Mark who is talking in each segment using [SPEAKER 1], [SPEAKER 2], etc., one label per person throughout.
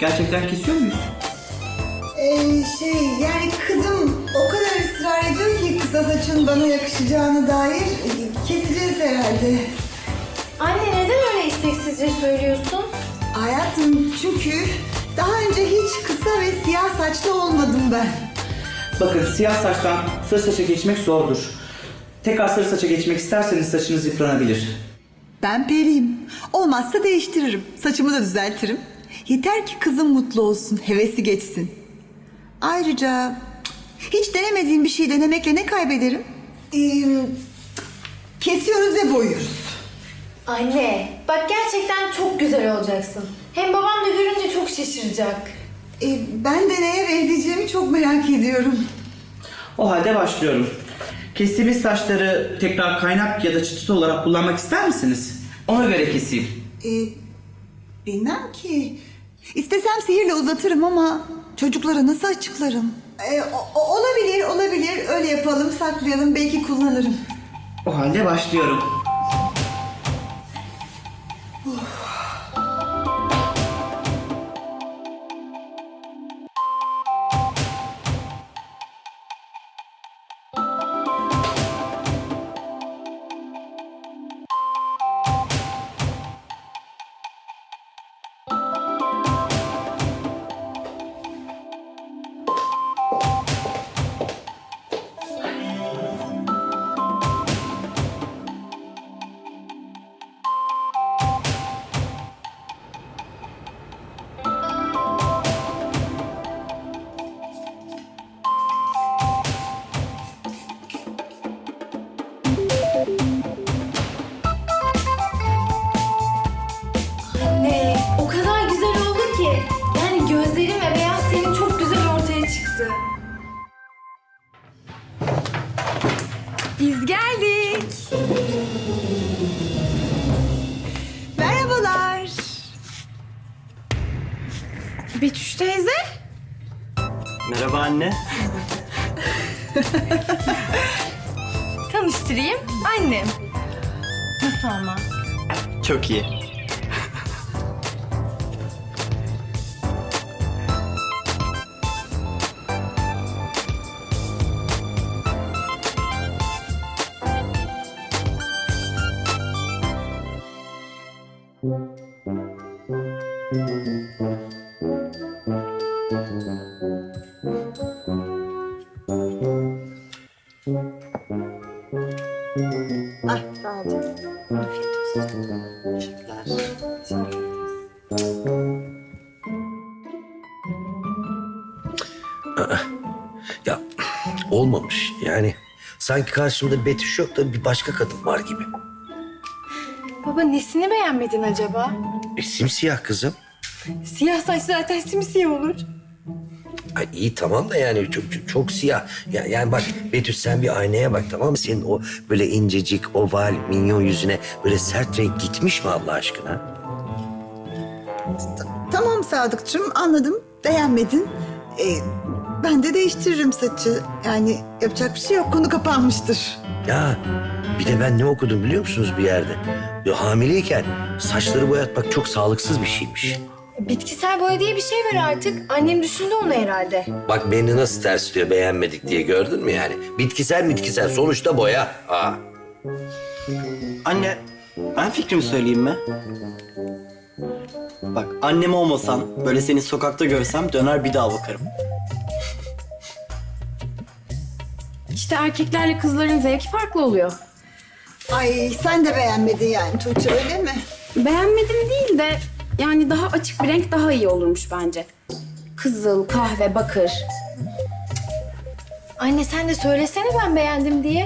[SPEAKER 1] Gerçekten kesiyor muyuz?
[SPEAKER 2] Yani kızım o kadar ısrar ediyor ki kısa saçın bana yakışacağına dair keseceğiz herhalde.
[SPEAKER 3] Anne neden öyle isteksizce söylüyorsun?
[SPEAKER 2] Hayatım çünkü daha önce hiç kısa ve siyah saçlı olmadım ben.
[SPEAKER 1] Bakın siyah saçtan sarı saça geçmek zordur. Tekrar sarı saça geçmek isterseniz saçınız yıpranabilir.
[SPEAKER 2] Ben periyim. Olmazsa değiştiririm. Saçımı da düzeltirim. Yeter ki kızım mutlu olsun, hevesi geçsin. Ayrıca hiç denemediğim bir şey denemekle ne kaybederim? Kesiyoruz ve boyuyoruz.
[SPEAKER 3] Anne bak gerçekten çok güzel olacaksın. Hem babam da görünce çok şaşıracak.
[SPEAKER 2] Ben de neye benzeyeceğimi çok merak ediyorum.
[SPEAKER 1] O halde başlıyorum. Kestiğimiz saçları tekrar kaynak ya da çıtısı olarak kullanmak ister misiniz? Ona göre keseyim.
[SPEAKER 2] Bilmem ki. İstesem sihirle uzatırım ama çocuklara nasıl açıklarım? Olabilir. Öyle yapalım, saklayalım. Belki kullanırım.
[SPEAKER 1] O halde başlıyorum.
[SPEAKER 3] Anne o kadar güzel oldu ki. Yani gözlerim ve beyaz senin çok güzel ortaya çıktı.
[SPEAKER 4] Biz geldik.
[SPEAKER 2] Merhabalar.
[SPEAKER 4] Betüş teyze.
[SPEAKER 5] Merhaba anne.
[SPEAKER 4] Tanıştırayım. Annem. Nasıl ama?
[SPEAKER 5] Çok iyi.
[SPEAKER 2] Sağ olun.
[SPEAKER 6] Ya olmamış yani. Sanki karşımda Betüş yok da bir başka kadın var gibi.
[SPEAKER 4] Baba nesini beğenmedin acaba?
[SPEAKER 6] Simsiyah kızım.
[SPEAKER 4] Siyah saç zaten simsiyah olur.
[SPEAKER 6] Ay iyi tamam da yani çok siyah. Yani bak Betüş sen bir aynaya bak tamam mı? Senin o böyle incecik, oval, minyon yüzüne böyle sert renk gitmiş mi Allah aşkına?
[SPEAKER 2] Tamam Sadıkçım, anladım. Beğenmedin. Ben de değiştiririm saçı. Yani yapacak bir şey yok. Konu kapanmıştır.
[SPEAKER 6] Ya bir de ben ne okudum biliyor musunuz bir yerde? Ya, hamileyken saçları boyatmak çok sağlıksız bir şeymiş.
[SPEAKER 3] Bitkisel boya diye bir şey var artık. Annem düşündü onu herhalde.
[SPEAKER 6] Bak beni nasıl tersliyor beğenmedik diye gördün mü yani? Bitkisel sonuçta boya. Aa.
[SPEAKER 5] Anne, ben fikrimi söyleyeyim mi? Bak annem olmasan böyle seni sokakta görsem döner bir daha bakarım.
[SPEAKER 4] İşte erkeklerle kızların zevki farklı oluyor.
[SPEAKER 2] Ay sen de beğenmedin yani Tuğçe, öyle mi?
[SPEAKER 4] Beğenmedim değil de yani daha açık bir renk daha iyi olurmuş bence. Kızıl, kahve, bakır.
[SPEAKER 3] Anne sen de söylesene ben beğendim diye.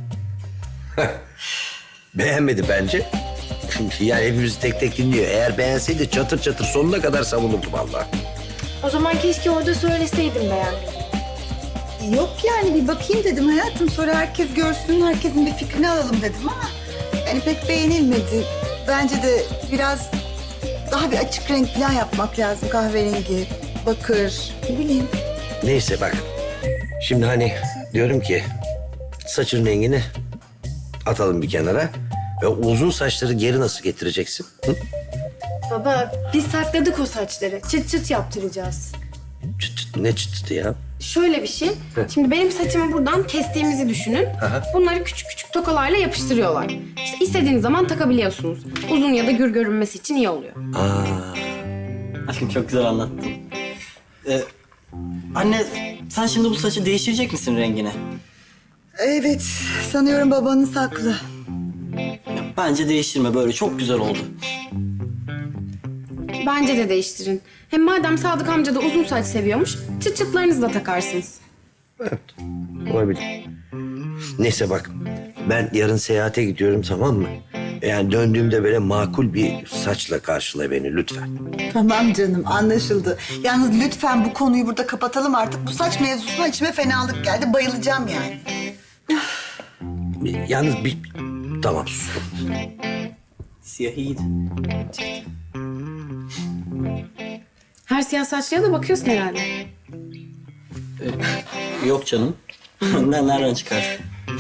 [SPEAKER 6] Beğenmedi bence. Yani hepimizi tek tek dinliyor. Eğer beğenseydi çatır çatır sonuna kadar savunurdu vallahi.
[SPEAKER 3] O zaman keşke orada söyleseydim beğendim.
[SPEAKER 2] Yok yani bir bakayım dedim hayatım. Sonra herkes görsün, herkesin bir fikrini alalım dedim ama... yani pek beğenilmedi. Bence de biraz daha bir açık renk falan yapmak lazım. Kahverengi, bakır, ne bileyim.
[SPEAKER 6] Neyse bak. Şimdi hani diyorum ki saçın rengini atalım bir kenara. Ve uzun saçları geri nasıl getireceksin? Hı?
[SPEAKER 4] Baba biz sakladık o saçları. Çıt çıt yaptıracağız.
[SPEAKER 6] Ne çıtı ya?
[SPEAKER 4] Şöyle bir şey. Şimdi benim saçımı buradan kestiğimizi düşünün.
[SPEAKER 6] Aha.
[SPEAKER 4] Bunları küçük küçük tokalarla yapıştırıyorlar. İşte istediğiniz zaman takabiliyorsunuz. Uzun ya da gür görünmesi için iyi oluyor.
[SPEAKER 5] Aşkım çok güzel anlattın. Anne sen şimdi bu saçı değiştirecek misin rengini?
[SPEAKER 2] Evet, sanıyorum babanız haklı.
[SPEAKER 5] Bence değiştirme, böyle çok güzel oldu.
[SPEAKER 4] Bence de değiştirin. Hem madem Sadık amca da uzun saç seviyormuş, çıt çıtlarınızı da takarsınız.
[SPEAKER 6] Evet, olabilir. Neyse bak, ben yarın seyahate gidiyorum, tamam mı? Yani döndüğümde böyle makul bir saçla karşıla beni lütfen.
[SPEAKER 2] Tamam canım, anlaşıldı. Yalnız lütfen bu konuyu burada kapatalım artık. Bu saç mevzusuna içime fenalık geldi. Bayılacağım yani.
[SPEAKER 6] Yalnız bir... Tamam, sustum.
[SPEAKER 5] Siyah iyiydi.
[SPEAKER 4] Her siyah saçlıya da bakıyorsun herhalde.
[SPEAKER 5] Yok canım. Nereden çıkar?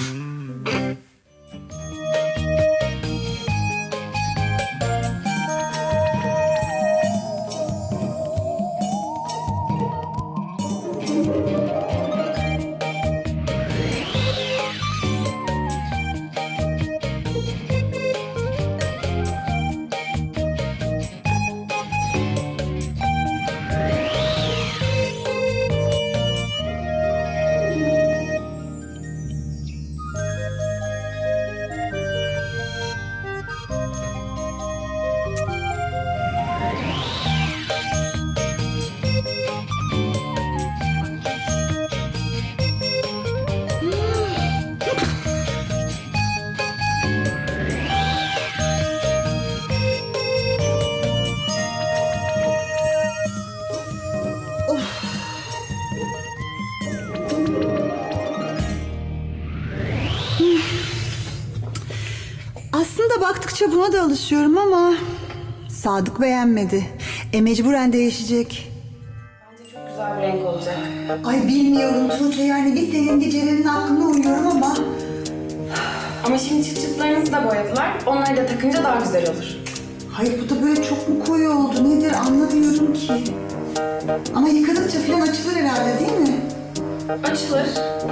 [SPEAKER 2] Aslında baktıkça buna da alışıyorum ama... Sadık beğenmedi. Mecburen değişecek.
[SPEAKER 4] Çok güzel bir renk olacak.
[SPEAKER 2] Ay bilmiyorum Tuğçe, yani bir senin bir Ceren'in aklına uyuyorum ama...
[SPEAKER 4] Ama şimdi çıt çıtlarınızı da boyadılar. Onları da takınca daha güzel olur.
[SPEAKER 2] Hayır, bu da böyle çok mu koyu oldu nedir anlamıyorum ki. Ama yıkadıkça falan açılır herhalde değil mi?
[SPEAKER 4] Açılır.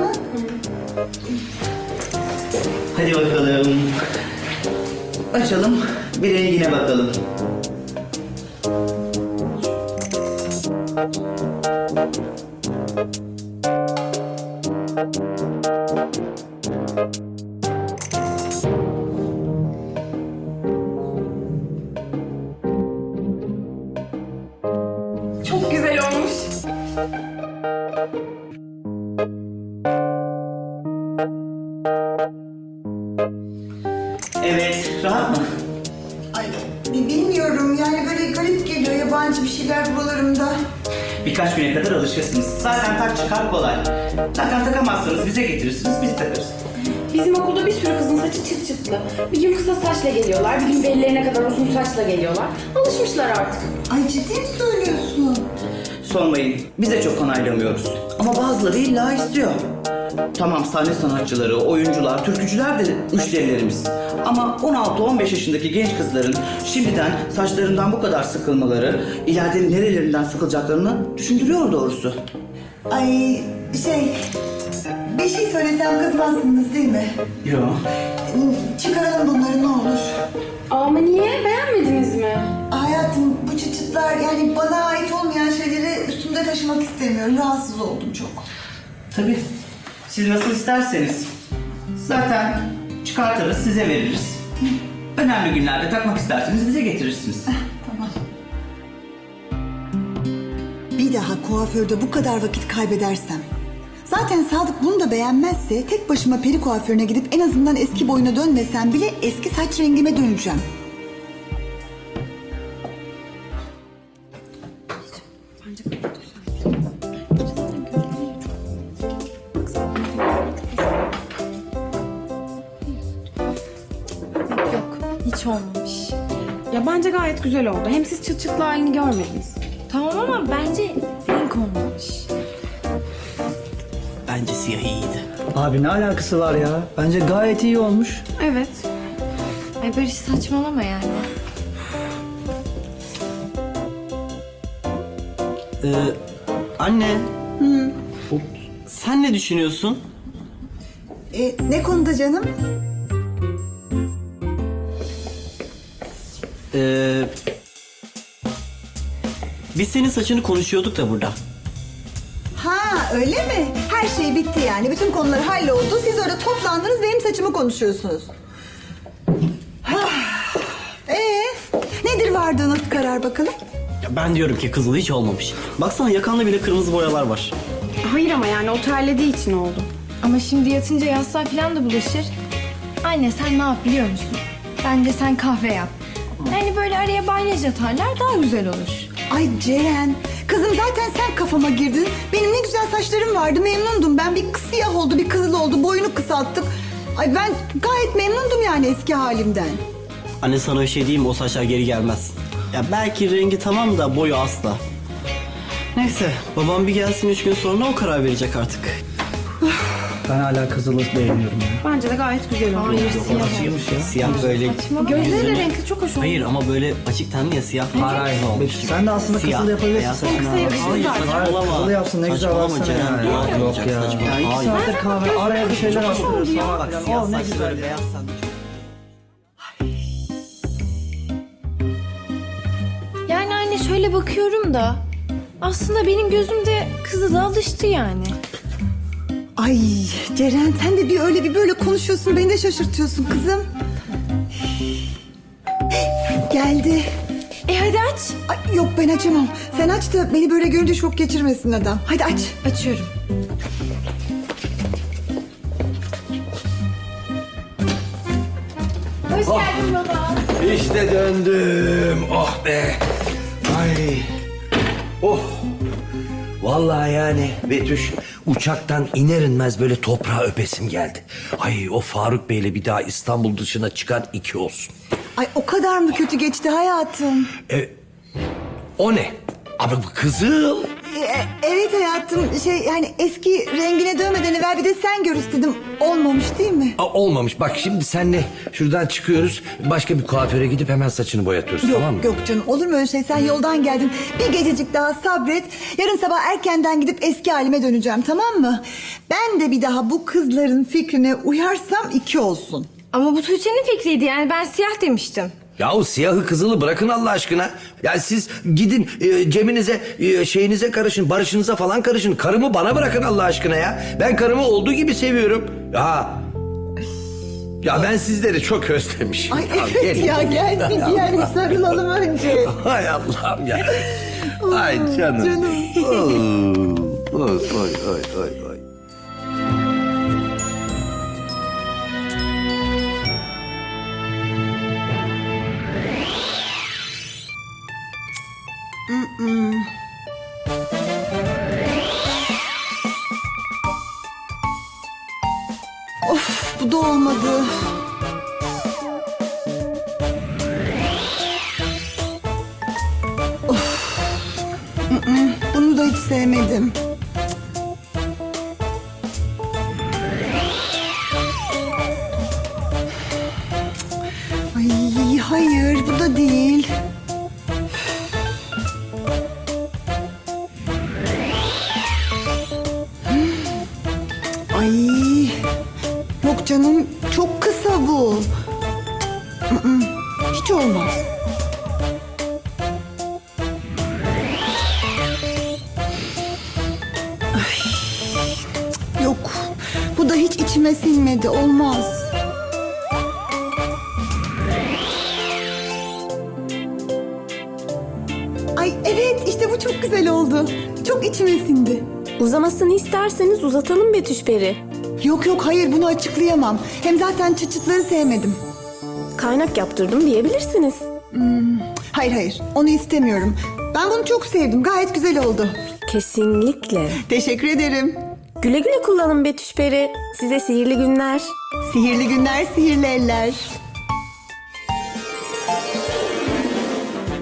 [SPEAKER 1] Hadi bakalım. Açalım, bir rengine bakalım.
[SPEAKER 4] Çok güzel olmuş.
[SPEAKER 1] Evet, rahat mı?
[SPEAKER 2] Ay bilmiyorum, yani böyle garip geliyor yabancı bir şeyler buralarımda.
[SPEAKER 1] Birkaç güne kadar alışırsınız. Zaten tak çıkar kolay. Zaten takamazsanız bize getirirsiniz, biz takarız.
[SPEAKER 4] Bizim okulda bir sürü kızın saçı çıt çıtlı. Bir gün kısa saçla geliyorlar, bir gün bellerine kadar uzun saçla geliyorlar. Alışmışlar artık.
[SPEAKER 2] Ay ciddi mi söylüyorsun?
[SPEAKER 1] Sormayın, biz de çok onaylamıyoruz. Ama bazıları illa istiyor. Tamam, sahne sanatçıları, oyuncular, türkücüler de müşterilerimiz. Ama 16-15 yaşındaki genç kızların şimdiden saçlarından bu kadar sıkılmaları, ileride nerelerinden sıkılacaklarını düşündürüyor doğrusu.
[SPEAKER 2] Ay bir şey söylesem kızmazsınız değil mi?
[SPEAKER 1] Yok.
[SPEAKER 2] Çıkaralım bunları ne olur.
[SPEAKER 4] Ama niye? Beğenmediniz mi?
[SPEAKER 2] Hayatım, bu çıtıtlar yani bana ait olmayan şeyleri üstümde taşımak istemiyorum. Rahatsız oldum çok.
[SPEAKER 1] Tabii. Siz nasıl isterseniz. Zaten çıkartırız, size veririz. Önemli günlerde takmak isterseniz bize getirirsiniz.
[SPEAKER 2] Tamam. Bir daha kuaförde bu kadar vakit kaybedersem... Zaten Sadık bunu da beğenmezse tek başıma peri kuaförüne gidip en azından eski boyuna dönmesem bile eski saç rengime döneceğim.
[SPEAKER 3] Yok, hiç olmamış.
[SPEAKER 4] Ya bence gayet güzel oldu. Hem siz çıt çıtlı halini görmediniz.
[SPEAKER 3] Tamam ama bence renk olmamış.
[SPEAKER 5] Bence siyah iyiydi.
[SPEAKER 7] Abi ne alakası var ya? Bence gayet iyi olmuş.
[SPEAKER 4] Evet.
[SPEAKER 3] Ay Barış saçmalama yani.
[SPEAKER 5] Anne. Sen ne düşünüyorsun?
[SPEAKER 2] Ne konuda canım?
[SPEAKER 5] Biz senin saçını konuşuyorduk da burada.
[SPEAKER 2] Ha öyle mi? Her şey bitti yani. Bütün konular halloldu. Siz orada toplandınız benim saçımı konuşuyorsunuz. Nedir vardığınız karar bakalım?
[SPEAKER 5] Ya ben diyorum ki kızıl hiç olmamış. Baksana yakanda bile kırmızı boyalar var.
[SPEAKER 4] Hayır ama yani o terlediği için oldu.
[SPEAKER 3] Ama şimdi yatınca yastığa falan da bulaşır. Anne sen ne yap biliyor musun? Bence sen kahve yap. Yani böyle araya balyaj atarlar daha güzel olur.
[SPEAKER 2] Ay Ceren, kızım zaten sen kafama girdin. Benim ne güzel saçlarım vardı, memnundum. Ben bir siyah oldu, bir kızıl oldu, boyunu kısalttık. Ay ben gayet memnundum yani eski halimden.
[SPEAKER 5] Anne sana bir şey diyeyim mi? O saçlar geri gelmez. Ya belki rengi tamam da boyu asla. Neyse babam bir gelsin 3 gün sonra o karar verecek artık.
[SPEAKER 7] Ben hala kızılı beğeniyorum ya.
[SPEAKER 4] Bence de gayet güzel oldu.
[SPEAKER 3] Hayır siyah.
[SPEAKER 7] Nasılmış ya?
[SPEAKER 5] Siyah böyle...
[SPEAKER 4] Gözleri de renkli çok hoş oldu.
[SPEAKER 5] Hayır ama böyle açık tenli ya siyah. Hayır olmuş.
[SPEAKER 7] Sen de aslında
[SPEAKER 5] Siyah,
[SPEAKER 7] kızıl yapabilirsin
[SPEAKER 5] beyaz
[SPEAKER 7] saçına.
[SPEAKER 4] kısa yakışır
[SPEAKER 7] Hayır,
[SPEAKER 4] zaten.
[SPEAKER 5] Saçmalama.
[SPEAKER 7] kızıl yapsın ne güzel
[SPEAKER 5] Saçmalama
[SPEAKER 7] baksana
[SPEAKER 5] Ceren,
[SPEAKER 7] ya.
[SPEAKER 5] dua
[SPEAKER 7] Yok
[SPEAKER 5] yapacak,
[SPEAKER 7] ya.
[SPEAKER 5] saçmalama.
[SPEAKER 7] Ya 2
[SPEAKER 5] Hayır.
[SPEAKER 7] saattir kahve araya bir şeyler atıyoruz.
[SPEAKER 5] Bak siyah
[SPEAKER 7] ne
[SPEAKER 5] saçları
[SPEAKER 7] güzel.
[SPEAKER 5] beyaz sen de çok...
[SPEAKER 3] Yani anne şöyle bakıyorum da aslında benim gözümde kızıla alıştı yani.
[SPEAKER 2] Ay Ceren sen de bir öyle bir böyle konuşuyorsun. Beni de şaşırtıyorsun kızım. Geldi.
[SPEAKER 3] Hadi aç.
[SPEAKER 2] Ay, yok ben açamam. Sen aç da beni böyle görünce şok geçirmesin adam. Hadi aç.
[SPEAKER 3] Açıyorum. Hoş geldin baba.
[SPEAKER 6] İşte döndüm. Oh be. Ay. Oh. Vallahi yani Betüş uçaktan iner inmez böyle toprağa öpesim geldi. Ay o Faruk Bey'le bir daha İstanbul dışına çıkan 2 olsun.
[SPEAKER 2] Ay o kadar mı kötü geçti hayatım?
[SPEAKER 6] O ne? Abi bu kızıl.
[SPEAKER 2] Evet hayatım yani eski rengine dönmeden evvel bir de sen gör istedim. Olmamış değil mi?
[SPEAKER 6] Olmamış. Bak şimdi senle şuradan çıkıyoruz. Başka bir kuaföre gidip hemen saçını boyatıyoruz
[SPEAKER 2] Yok
[SPEAKER 6] tamam mı?
[SPEAKER 2] yok canım olur mu öyle şey? Sen yoldan geldin. Bir gececik daha sabret. Yarın sabah erkenden gidip eski halime döneceğim tamam mı? Ben de bir daha bu kızların fikrine uyarsam 2 olsun.
[SPEAKER 3] Ama bu Tuğçe'nin fikriydi yani ben siyah demiştim.
[SPEAKER 6] Yahu siyahı kızılı bırakın Allah aşkına. Ya siz gidin cebinize şeyinize karışın, barışınıza falan karışın. Karımı bana bırakın Allah aşkına ya. Ben karımı olduğu gibi seviyorum. Ya ben sizleri çok özlemişim.
[SPEAKER 2] Ay evet ya gel bir yani sarılalım önce.
[SPEAKER 6] Hay Allah'ım ya. Ay canım.
[SPEAKER 2] Canım.
[SPEAKER 6] Oy oy oy oy oy.
[SPEAKER 2] Of bu da olmadı. Of. Bunu da hiç sevmedim. Ay hayır bu da değil. Ay yok canım çok kısa bu. Hiç olmaz. Ay, yok bu da hiç içime sinmedi olmaz. Ay evet işte bu çok güzel oldu. Çok içime sindi.
[SPEAKER 8] Uzamasını isterseniz uzatalım Betüş Peri.
[SPEAKER 2] Yok yok hayır bunu açıklayamam. Hem zaten çıtçıtları sevmedim.
[SPEAKER 8] Kaynak yaptırdım diyebilirsiniz.
[SPEAKER 2] Hayır hayır onu istemiyorum. Ben bunu çok sevdim gayet güzel oldu.
[SPEAKER 8] Kesinlikle.
[SPEAKER 2] Teşekkür ederim.
[SPEAKER 8] Güle güle kullanın Betüş Peri. Size sihirli günler.
[SPEAKER 2] Sihirli günler sihirli eller.